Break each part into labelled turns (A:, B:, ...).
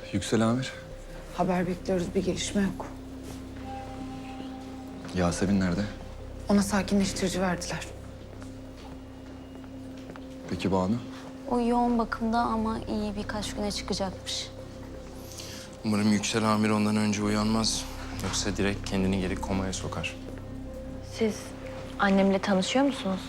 A: Yüksel Amir.
B: Haber bekliyoruz, bir gelişme yok.
A: Yasemin nerede?
B: Ona sakinleştirici verdiler.
A: Peki Banu?
C: O yoğun bakımda ama iyi birkaç güne çıkacakmış.
D: Umarım Yüksel Amir ondan önce uyanmaz. Yoksa direkt kendini geri komaya sokar.
E: Siz annemle tanışıyor musunuz?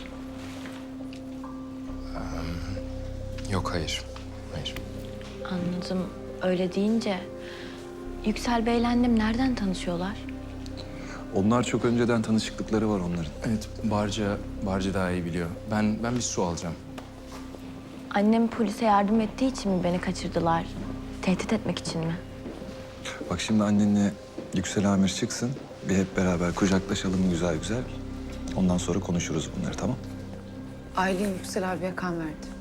D: Yok, hayır. Hayır.
E: Anladım. Öyle deyince Yüksel Bey'le annem nereden tanışıyorlar?
A: Onlar çok önceden tanışıklıkları var onların.
D: Evet, Barca daha iyi biliyor. Ben bir su alacağım.
E: Annem polise yardım ettiği için mi beni kaçırdılar? Tehdit etmek için mi?
A: Bak şimdi annenle Yüksel Amir çıksın. Bir hep beraber kucaklaşalım güzel güzel. Ondan sonra konuşuruz bunları, tamam?
B: Aylin Yüksel abiye kan verdi.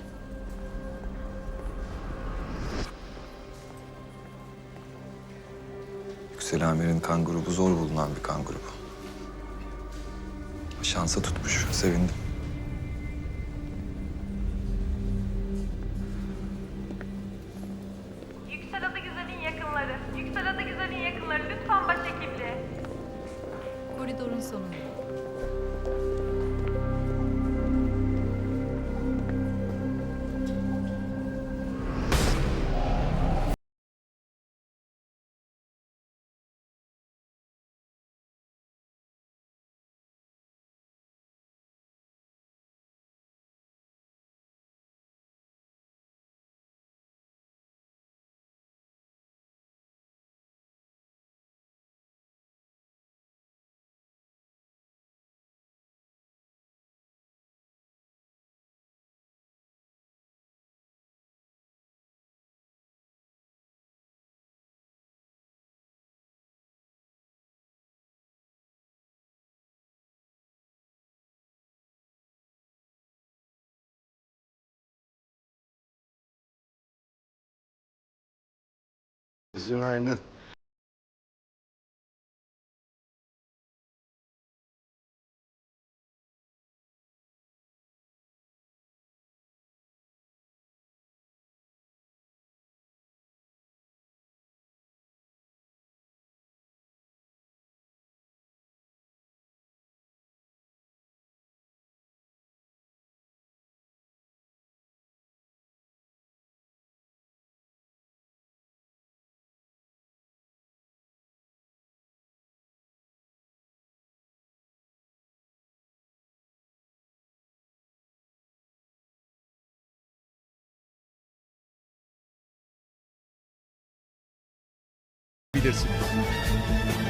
A: Yüksel Amir'in kan grubu zor bulunan bir kan grubu. Şansa tutmuş, sevindim.
F: Yüksel Adıgüzel'in yakınları. Yüksel Adıgüzel'in yakınları. Lütfen başhekiple.
G: Koridorun sonunda.
H: Günaydın.
I: bilirsin.